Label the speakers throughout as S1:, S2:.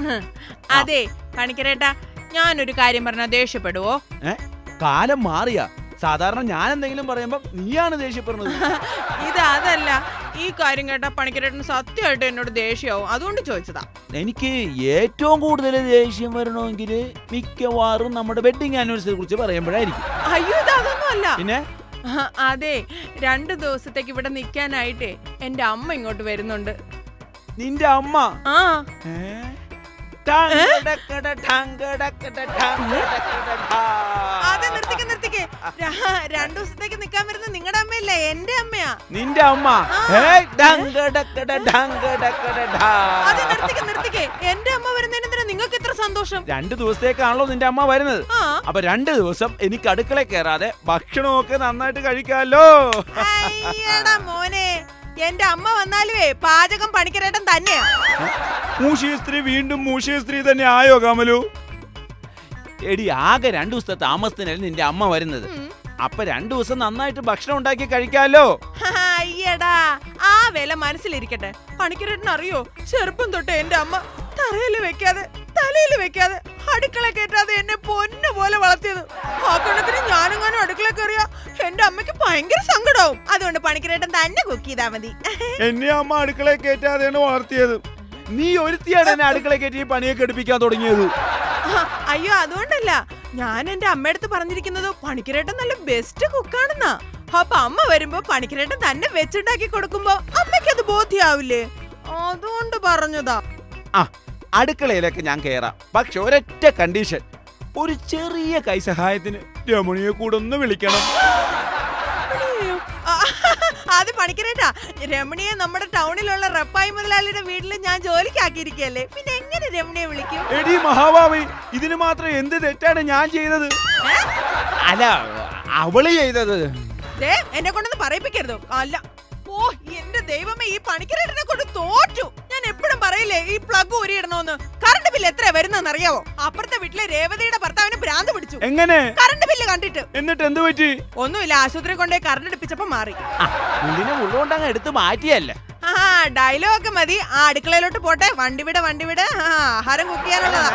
S1: അതെ പണിക്കരേട്ടാ, ഞാനൊരു കാര്യം പറഞ്ഞാ ദേഷ്യപ്പെടുവോ?
S2: കാലം മാറിയ സാധാരണ ഞാൻ എന്തെങ്കിലും പറയുമ്പോ നീയാണ് ദേഷ്യപ്പെടുന്നത്.
S1: അതല്ല, ഈ കാര്യം കേട്ടാ പണിക്കരേട്ടന് സത്യമായിട്ട് എന്നോട് ദേഷ്യമാവും, അതുകൊണ്ട് ചോദിച്ചതാ.
S2: എനിക്ക് ഏറ്റവും കൂടുതൽ ദേഷ്യം വരണമെങ്കിൽ മിക്കവാറും നമ്മുടെ വെഡിങ് ആനിവേഴ്സറിയെ കുറിച്ച് പറയുമ്പോഴായിരിക്കും.
S1: അയ്യോ, അതൊന്നും അല്ല.
S2: പിന്നെ
S1: അതെ, 2 ദിവസത്തേക്ക് ഇവിടെ നിക്കാനായിട്ടേ എന്റെ അമ്മ ഇങ്ങോട്ട് വരുന്നുണ്ട്.
S2: നിന്റെ അമ്മ?
S1: ആ. അതെ, നിർത്തിക്ക്. 2 ദിവസത്തേക്ക് നിക്കാൻ വരുന്ന നിങ്ങളുടെ അമ്മയല്ല, എന്റെ അമ്മയാ.
S2: നിന്റെ അമ്മ?
S1: അതെ, നിർത്തിക്ക്. എന്റെ അമ്മ വരുന്നതിനെന്തിനാ നിങ്ങൾക്ക് ഇത്ര സന്തോഷം?
S2: 2 ദിവസത്തേക്കാണല്ലോ നിന്റെ അമ്മ വരുന്നത്. അപ്പൊ 2 ദിവസം എനിക്ക് അടുക്കള കയറാതെ ഭക്ഷണമൊക്കെ നന്നായിട്ട് കഴിക്കാമല്ലോ.
S1: അയ്യടാ മോനെ, എന്റെ അമ്മ വന്നാലുവേ പാചകം പണിക്കരേട്ടൻ തന്നെയാ.
S2: മൂഷിയ സ്ത്രീ വീണ്ടും മൂഷിയ സ്ത്രീ തന്നെ ആയോ കമലു? എടി, ആകെ 2 ദിവസത്തെ താമസത്തിനല്ലേ നിന്റെ അമ്മ വരുന്നത്. അപ്പൊ 2 ദിവസം നന്നായിട്ട് ഭക്ഷണം ഉണ്ടാക്കി കഴിക്കാമല്ലോ.
S1: അയ്യടാ, ആ വില മനസ്സിലിരിക്കട്ടെ. പണിക്കരേട്ടൻ അറിയോ, ചെറുപ്പം തൊട്ട് എന്റെ അമ്മ തറയിൽ വെക്കാതെ തലയിൽ വെക്കാതെ അടുക്കള കയറ്റാതെ എന്നെ പൊന്നു പോലെ വളർത്തിയത്. ആ കണക്കിന് ഞാനെങ്ങാനും അടുക്കള കയറിയ എന്റെ അമ്മയ്ക്ക് ഭയങ്കര സങ്കടാവും. അതുകൊണ്ട് പണിക്കരേട്ടൻ തന്നെ കുക്ക് ചെയ്താ മതി.
S2: എന്നെ അമ്മ അടുക്കള കയറ്റാതെയാണ് വളർത്തിയത്. നീ ഒരുത്തിയാണ് എന്നെ അടുക്കള കയറ്റി പണിയൊക്കെ എടുപ്പിക്കാൻ തുടങ്ങിയത്.
S1: അയ്യോ, അതുകൊണ്ടല്ല. ഞാൻ എന്റെ അമ്മയടുത്ത് പറഞ്ഞിരിക്കുന്നത് പണിക്കരേട്ടൻ നല്ല ബെസ്റ്റ് കുക്കാണെന്നാ. അപ്പൊ അമ്മ വരുമ്പോ പണിക്കരേട്ടൻ തന്നെ വെച്ചുണ്ടാക്കി കൊടുക്കുമ്പോ അമ്മയ്ക്ക് അത് ബോധ്യാവില്ലേ, അതുകൊണ്ട് പറഞ്ഞതാ.
S2: അടുക്കളയിലൊക്കെ ഞാൻ കയറാം, പക്ഷെ ഒരൊറ്റ കണ്ടീഷൻ. ഒരു ചെറിയ കൈസഹായത്തിന് രമണിയെ കൂടെ ഒന്ന് വിളിക്കണം.
S1: അത് പണിക്കരേട്ടാ, രമണിയെ നമ്മുടെ ടൗണിലുള്ള റപ്പായി മുതലാളിയുടെ വീട്ടിൽ ഞാൻ ജോലിക്കാക്കിയിരിക്കല്ലേ, പിന്നെ എങ്ങനെ രമണിയെ വിളിക്കും?
S2: എടി മഹാഭാവി, ഇതിന് മാത്രം എന്ത് തെറ്റാണ് ഞാൻ ചെയ്തത്? അല്ല, അവള് ചെയ്തത്.
S1: എന്നെ കൊണ്ടൊന്ന് പറയിപ്പിക്കരുതോ. അല്ല, ഓ എന്റെ ദൈവമേ, ഈ പണിക്കരേട്ടനെ കൊണ്ട് തോറ്റു. ഞാൻ എപ്പോഴും പറയില്ലേ ഈ പ്ലഗ് ഊരിയിടണോന്ന്. കറണ്ട് ബില്ല് എത്രയാ വരുന്നതെന്ന് അറിയാവോ? അപ്പുറത്തെ വീട്ടിലെ രേവതിയുടെ ഭർത്താവിന് ഭ്രാന്ത് പിടിച്ചു.
S2: എങ്ങനെ?
S1: കറണ്ട് ബില്ല് കണ്ടിട്ട്.
S2: എന്നിട്ട് എന്ത് പറ്റി?
S1: ഒന്നുമില്ല, ആശുപത്രി കൊണ്ടേ കറണ്ട് എടുപ്പിച്ചപ്പോ മാറി.
S2: ഉള്ളോണ്ടങ്ങ് എടുത്ത് മാറ്റിയല്ലേ.
S1: ഡയലോഗ് ഒക്കെ മതി. ആ അടുക്കളയിലോട്ട് പോട്ടെ. വണ്ടി വിട. ആഹാരം കുക്ക് ചെയ്യാനുള്ളതാ.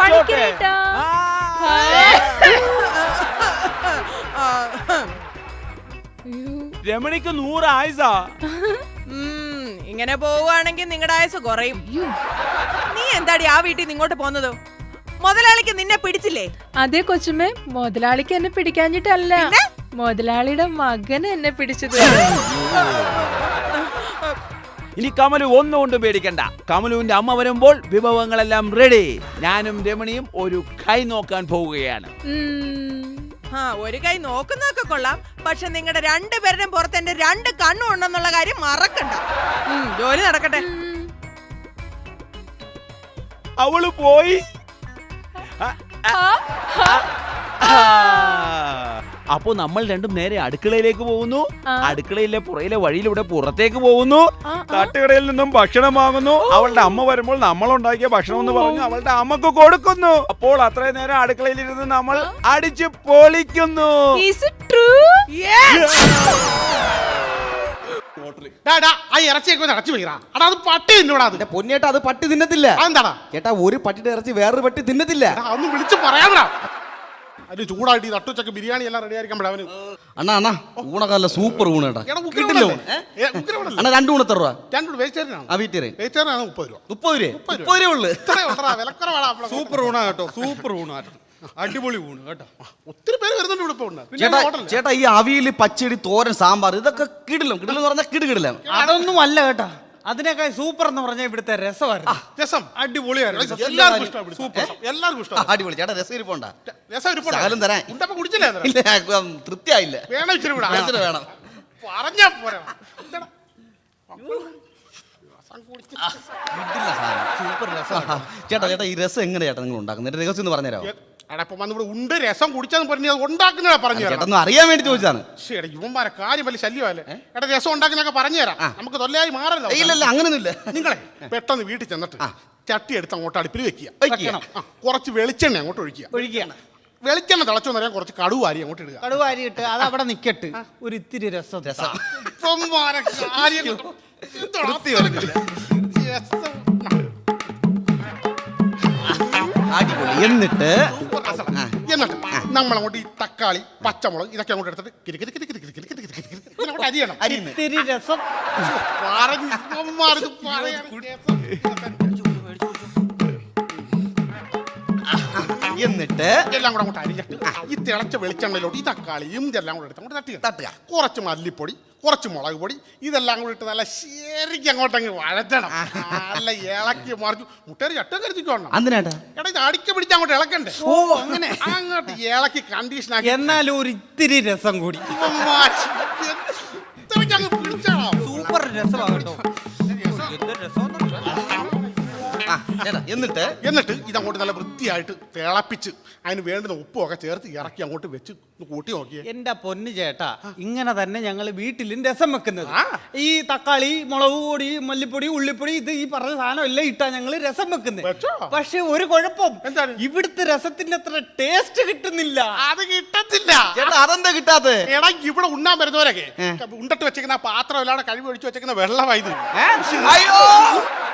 S2: രമണിക്ക് 100 ആയുസാ.
S1: ഇങ്ങനെ പോവുകയാണെങ്കിൽ നിങ്ങളുടെ ആയുസ് കുറയും. നീ എന്താടി ആ വീട്ടിൽ നിന്ന് ഇങ്ങോട്ട് പോന്നത്? മുതലാളിക്ക് നിന്നെ പിടിച്ചില്ലേ?
S3: അതെ കൊച്ചുമേ, മുതലാളിക്ക് എന്നെ പിടിക്കാഞ്ഞിട്ടല്ല, മുതലാളിയുടെ മകന് എന്നെ പിടിച്ചത്.
S2: ഇനി കമലു ഒന്നുകൊണ്ടും പേടിക്കണ്ട. കമലുവിന്റെ അമ്മ വരുമ്പോൾ വിഭവങ്ങളെല്ലാം റെഡി. ഞാനും രമണിയും ഒരു കൈ നോക്കാൻ പോവുകയാണ്.
S1: ഒരു കൈ നോക്കുന്നതൊക്കെ കൊള്ളാം, പക്ഷെ നിങ്ങളുടെ 2 പേരുടെയും പുറത്ത് എന്റെ 2 കണ്ണും ഉണ്ടെന്നുള്ള കാര്യം മറക്കണ്ട. ജോലി നടക്കട്ടെ.
S2: അവള് പോയി. അപ്പൊ നമ്മൾ രണ്ടും നേരെ അടുക്കളയിലേക്ക് പോകുന്നു. അടുക്കളയിലെ പുറയിലെ വഴിയിലൂടെ പുറത്തേക്ക് പോകുന്നു. തട്ടുകടയിൽ നിന്നും ഭക്ഷണം വാങ്ങുന്നു. അവളുടെ അമ്മ വരുമ്പോൾ നമ്മൾ ഉണ്ടാക്കിയ ഭക്ഷണം എന്ന് പറഞ്ഞു അവളുടെ അമ്മക്ക് കൊടുക്കുന്നു. അപ്പോൾ അത്രയും നേരം അടുക്കളയിലിരുന്ന് നമ്മൾ അടിച്ചു പൊളിക്കുന്നു.
S4: പൊന്നേട്ടാ, അത് പട്ടി തിന്നത്തില്ല. ചേട്ടാ, ഒരു പട്ടിയുടെ ഇറച്ചി വേറൊരു പട്ടി തിന്നത്തില്ല.
S5: ഒന്ന് വിളിച്ചു പറയാ. അത് ചൂടായിട്ട് തട്ടുച്ചക്ക് ബിരിയാണി എല്ലാം റെഡി ആയിരിക്കും.
S4: അണ്ണാ ഊണക്കല്ല സൂപ്പർ ഊണ് കേട്ടാ. കിട്ടില്ല അണ്ണാ. 2 ഊണ് എത്ര രൂപ?
S5: 2 വെജിറ്റേറിയൻ.
S4: വെജിറ്റേറിയൻ
S5: 30 രൂപ.
S4: 30 രൂപ ഉള്ളു.
S5: സൂപ്പർ ഊണാ കേട്ടോ, സൂപ്പർ ഊണാട്ടോ, അടിപൊളി ഊണ് കേട്ടോ. ഒത്തിരി പേര് വരുന്നുണ്ട് ഇവിടെ.
S4: ചേട്ടാ, ഈ അവിയല്, പച്ചടി, തോരൻ, സാമ്പാർ ഇതൊക്കെ കിടിലും പറഞ്ഞാൽ കിടില്ല.
S6: അതൊന്നും അല്ല കേട്ടാ, അതിനേക്കാൾ സൂപ്പർ എന്ന് പറഞ്ഞാൽ ഇവിടുത്തെ രസമായിരുന്നു.
S5: രസം അടിപൊളിയായിരുന്നു. എല്ലാവർക്കും ഇഷ്ടം.
S4: അടിപൊളി ചേട്ടാ. രസം ഇരിപ്പുണ്ട.
S5: സകലം
S4: തരാൻ
S5: കുടിച്ചില്ലേ?
S4: തൃപ്തിയായില്ല.
S5: വേണം ഇച്ചിരി കൂടെ.
S4: വേണം
S5: പറഞ്ഞാ പോരാ.
S4: സൂപ്പർ രസം. ചേട്ടാ, ഈ രസം എങ്ങനെയാ ചേട്ടാ നിങ്ങൾ ഉണ്ടാക്കുന്നത്? രഹസ്യം ഒന്ന് പറഞ്ഞുതരാമോ?
S5: ഉണ്ട് രസം കുടിച്ചെന്ന് പറഞ്ഞു ഉണ്ടാക്കുന്ന പറഞ്ഞു
S4: ചേട്ടാ, അറിയാൻ വേണ്ടി ചോദിച്ചാണ്.
S5: ശരി, ഇവന്മാരെ കാര്യം വലിയ ശല്യമല്ലേ. എടാ, രസം ഉണ്ടാക്കുന്നൊക്കെ പറഞ്ഞു തരാം. നമുക്ക് തൊല്ലയായി മാറല്ലോ.
S4: ഇല്ല, അങ്ങനൊന്നുമില്ല.
S5: നിങ്ങളെ പെട്ടെന്ന് വീട്ടിൽ ചെന്നിട്ട് ചട്ടി എടുത്ത് അങ്ങോട്ട് അടുപ്പിൽ വെക്കുക. കുറച്ച് വെളിച്ചെണ്ണ അങ്ങോട്ട് ഒഴിക്കുകയാണ്. വെളിച്ചെണ്ണ തിളച്ചോന്നറിയാൻ കുറച്ച് കടുവാരി അങ്ങോട്ട് ഇടുക.
S6: കടുവാരി ഇട്ട് അത് അവിടെ നിക്കട്ട്. ഒരു ഇത്തിരി രസം.
S4: അടിപൊളി. എന്നിട്ട്
S5: സൂപ്പർ രസം. എന്നിട്ട് നമ്മളങ്ങോട്ട് ഈ തക്കാളി പച്ചമുളക് ഇതൊക്കെ അങ്ങോട്ട് എടുത്തിട്ട് കിരി കിരി കിരി കിരി കിരി കിരി കിരി കിരി കിരി ഇതിനങ്ങോട്ട് അരിയണം.
S4: അരിയുന്നു.
S6: ഇത്തിരി രസം.
S5: പറഞ്ഞു ഇവന്മാരിത് പറയാൻ
S4: എന്നിട്ട്
S5: എല്ലാം കൂടെ അങ്ങോട്ട് അരിഞ്ഞിട്ട് ഈ തിളച്ച വെളിച്ചെണ്ണയിലോട്ട് ഈ തക്കാളിയും ഇതെല്ലാം കൂടെ എടുത്ത് അങ്ങോട്ട് തട്ടുക.
S4: തട്ടുക.
S5: കുറച്ച് മല്ലിപ്പൊടി, കുറച്ച് മുളക് പൊടി, ഇതെല്ലാം കൂടി ഇട്ട് നല്ല ശരിക്കും അങ്ങോട്ടങ്ങ് വഴറ്റണം. നല്ല ഇളക്കി മറിച്ചു മുട്ടേറി ചട്ടം കരുതിക്കോണം.
S4: എന്തിനാട്ടാ?
S5: എടാ ഇത് അടിക്ക് പിടിച്ച് അങ്ങോട്ട് ഇളക്കണ്ടേ?
S6: ഓ അങ്ങനെ.
S5: അങ്ങോട്ട് ഇളക്കി കണ്ടീഷൻ ആക്കി
S6: എന്നാലും ഒരു ഇത്തിരി രസം കൂടി.
S5: അങ്ങ് പിടിച്ചാണോ?
S6: സൂപ്പർ രസമാകട്ടോ. എന്ത് രസം.
S4: ആ, ചേട്ടാ, എന്നിട്ട്
S5: എന്നിട്ട് ഇതങ്ങോട്ട് നല്ല വൃത്തിയായിട്ട് തിളപ്പിച്ച് അതിന് വേണ്ടുന്ന ഉപ്പുമൊക്കെ ചേർത്ത് ഇറക്കി അങ്ങോട്ട് വെച്ച് കൂട്ടി നോക്കിയേ.
S6: എന്റെ പൊന്നു ചേട്ടാ, ഇങ്ങനെ തന്നെ ഞങ്ങൾ വീട്ടിലും രസം വെക്കുന്നത്. ഈ തക്കാളി, മുളക് പൊടി, മല്ലിപ്പൊടി, ഉള്ളിപ്പൊടി, ഇത് ഈ പറഞ്ഞ സാധനം എല്ലാം ഇട്ടാ ഞങ്ങൾ രസം വെക്കുന്നത്.
S5: വെച്ചോ?
S6: പക്ഷെ ഒരു കുഴപ്പം,
S5: എന്താണ്?
S6: ഇവിടുത്തെ രസത്തിന്റെ അത്ര ടേസ്റ്റ് കിട്ടുന്നില്ല.
S5: അത് കിട്ടത്തില്ല.
S4: ചേട്ടാ, അതെന്താ കിട്ടാത്ത?
S5: എടാ ഇവിടെ ഉണ്ണാൻ വരുന്നവരൊക്കെ ഉണ്ടിട്ട് വെച്ചേക്കുന്ന ആ പാത്രം എല്ലാടെ കഴിവ് ഒഴിച്ചു വെച്ചേക്കുന്ന വെള്ളമായത്.
S4: അയ്യോ